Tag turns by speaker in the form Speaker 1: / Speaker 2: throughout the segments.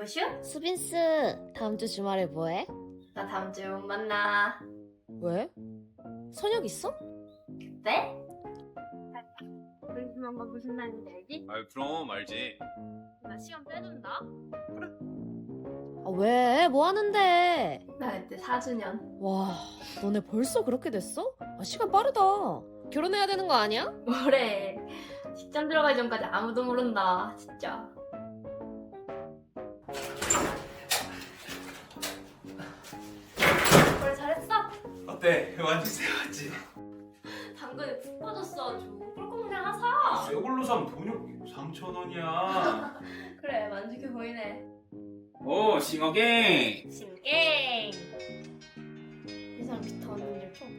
Speaker 1: 여보슈?
Speaker 2: 수빈스, 다음 주 주말에 뭐해?
Speaker 1: 나 다음 주에 못 만나.
Speaker 2: 왜? 선약 있어?
Speaker 1: 네? 우리 무슨 날인지 알지?
Speaker 3: 아유 그럼 알지.
Speaker 1: 나 시간 빼준다.
Speaker 2: 아, 왜? 뭐 하는데?
Speaker 1: 나 그때 4주년.
Speaker 2: 와, 너네 벌써 그렇게 됐어? 아, 시간 빠르다. 결혼해야 되는 거 아니야?
Speaker 1: 뭐래. 직장 들어가기 전까지 아무도 모른다. 진짜. 그래 잘했어?
Speaker 3: 어때? 완전 새웠지?
Speaker 1: 당근에 푹 빠졌어 아주. 꿀꺽 그냥 하사.
Speaker 3: 새걸로 사면 돈이 3,000원이야.
Speaker 1: 그래 만족해 보이네.
Speaker 3: 오 싱어갱.
Speaker 1: 신갱. 이 사람 기타 완전 잘 쳐.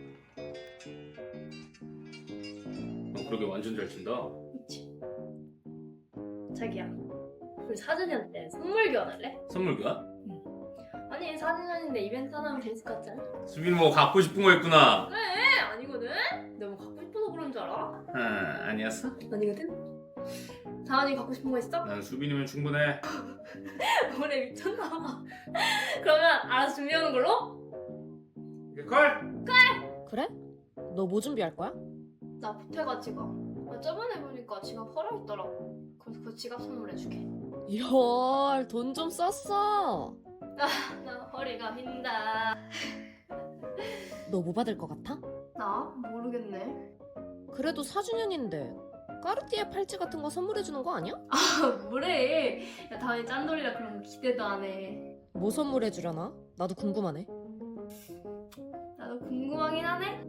Speaker 3: 너 그러게 완전 잘 친다.
Speaker 1: 그치? 자기야, 우리 4주년 때 선물 교환할래?
Speaker 3: 선물 교환?
Speaker 1: 아니 4주년인데 이벤트 하나 하면 재밌을 것 같지 않아?
Speaker 3: 수빈 뭐 갖고 싶은 거 있구나.
Speaker 1: 그래 아니거든? 내가 뭐 갖고 싶어서 그런 줄 알아?
Speaker 3: 아니었어?
Speaker 1: 아니거든? 다은이 갖고 싶은 거 있어?
Speaker 3: 난 수빈이면 충분해.
Speaker 1: 뭐래 미쳤나 봐. 그러면 알아서 준비하는 걸로?
Speaker 3: 걸?
Speaker 2: 그래? 너 뭐 준비할 거야?
Speaker 1: 나 보태가 지갑. 나 저번에 보니까 지갑 헐어있더라고. 그래서 그 지갑 선물해줄게.
Speaker 2: 이럴, 돈 좀 썼어.
Speaker 1: 나 허리가 빈다.
Speaker 2: 너 뭐 받을 것 같아?
Speaker 1: 나? 모르겠네.
Speaker 2: 그래도 4주년인데 까르띠에 팔찌 같은 거 선물해주는 거 아니야?
Speaker 1: 뭐래. 야 다은이 짠돌이라 그런 거 기대도 안 해.
Speaker 2: 뭐 선물해주려나? 나도 궁금하네.
Speaker 1: 나도 궁금하긴 하네.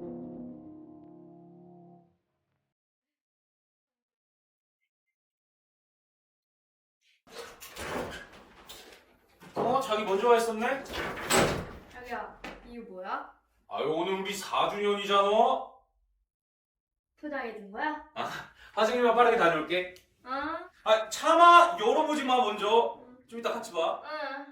Speaker 3: 자기 먼저 와 있었네?
Speaker 1: 자기야, 이거 뭐야?
Speaker 3: 아유 오늘 우리 4주년이잖아.
Speaker 1: 포장해 준 거야?
Speaker 3: 화장실만 빠르게 다녀올게.
Speaker 1: 아,
Speaker 3: 아 차마 열어보지 마 먼저. 좀 이따 같이 봐.
Speaker 1: 응.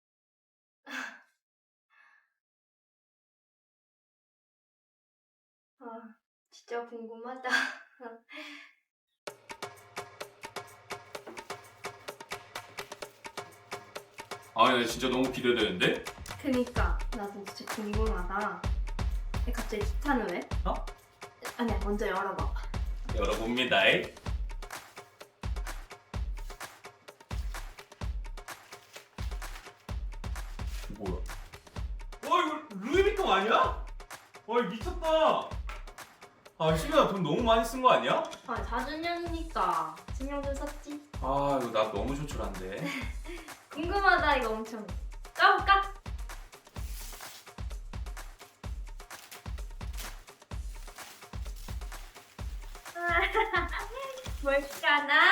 Speaker 1: 아, 진짜 궁금하다.
Speaker 3: 아니 진짜 너무 기대되는데?
Speaker 1: 그니까 나도 진짜 궁금하다. 근데 갑자기 기타는 왜?
Speaker 3: 어?
Speaker 1: 아니야, 먼저 열어봐.
Speaker 3: 열어봅니다. 뭐야? 와 이거 루이비통 아니야? 와 이거 미쳤다. 아 수빈아 돈 너무 많이 쓴 거 아니야?
Speaker 1: 아, 4주년이니까 신경 좀 썼지.
Speaker 3: 아 이거 나 너무 조촐한데.
Speaker 1: 궁금하다 이거 엄청. 까볼까? 뭘까나?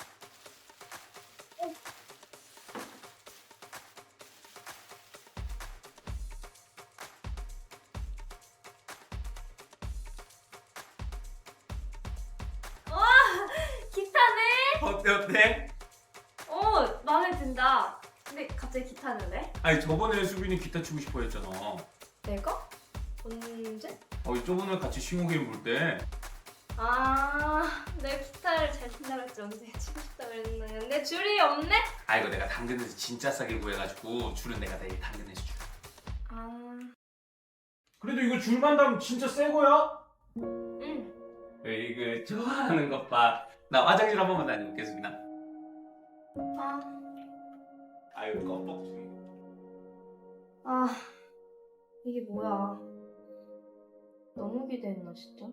Speaker 1: 와, 기타네?
Speaker 3: 어때?
Speaker 1: 마음에 든다. 근데 갑자기 기타는 왜?
Speaker 3: 아니 저번에 수빈이 기타 치고 싶어 했잖아.
Speaker 1: 내가? 언제?
Speaker 3: 저번에 같이 싱어게임 볼 때.
Speaker 1: 아, 내 기타를 잘 친다고 했지 언제 치고 싶다 그랬는데 줄이 없네?
Speaker 3: 아 이거 내가 당근에서 진짜 싸게 구해가지고 줄은 내가 내일 당근에서 줄.
Speaker 1: 아,
Speaker 3: 그래도 이거 줄만 담으면 진짜 새 거야?
Speaker 1: 응.
Speaker 3: 이거 좋아하는 것 봐. 나 화장실 한 번만 다녀올게 수빈아.
Speaker 1: 아,
Speaker 3: 아유 껌뻑.
Speaker 1: 아, 이게 뭐야? 너무 기대했나 진짜?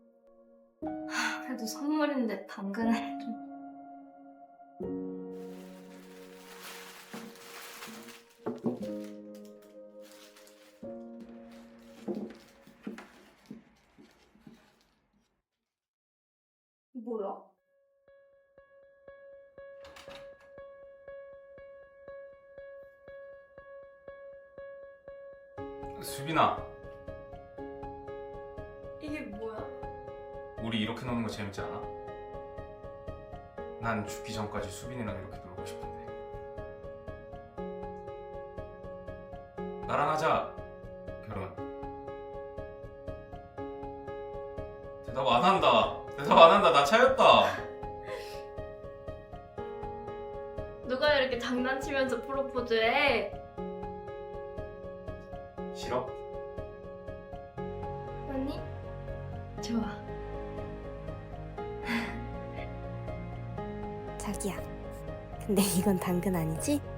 Speaker 1: 그래도 선물인데 당근을 좀. 뭐야?
Speaker 3: 수빈아,
Speaker 1: 이게 뭐야?
Speaker 3: 우리 이렇게 노는 거 재밌지 않아? 난 죽기 전까지 수빈이랑 이렇게 놀고 싶은데. 나랑 하자 결혼. 대답 안 한다. 대답 안 한다. 나 차였다.
Speaker 1: 누가 이렇게 장난치면서 프로포즈해?
Speaker 3: 싫어?
Speaker 1: 아니, 좋아.
Speaker 4: 자기야, 근데 이건 당근 아니지?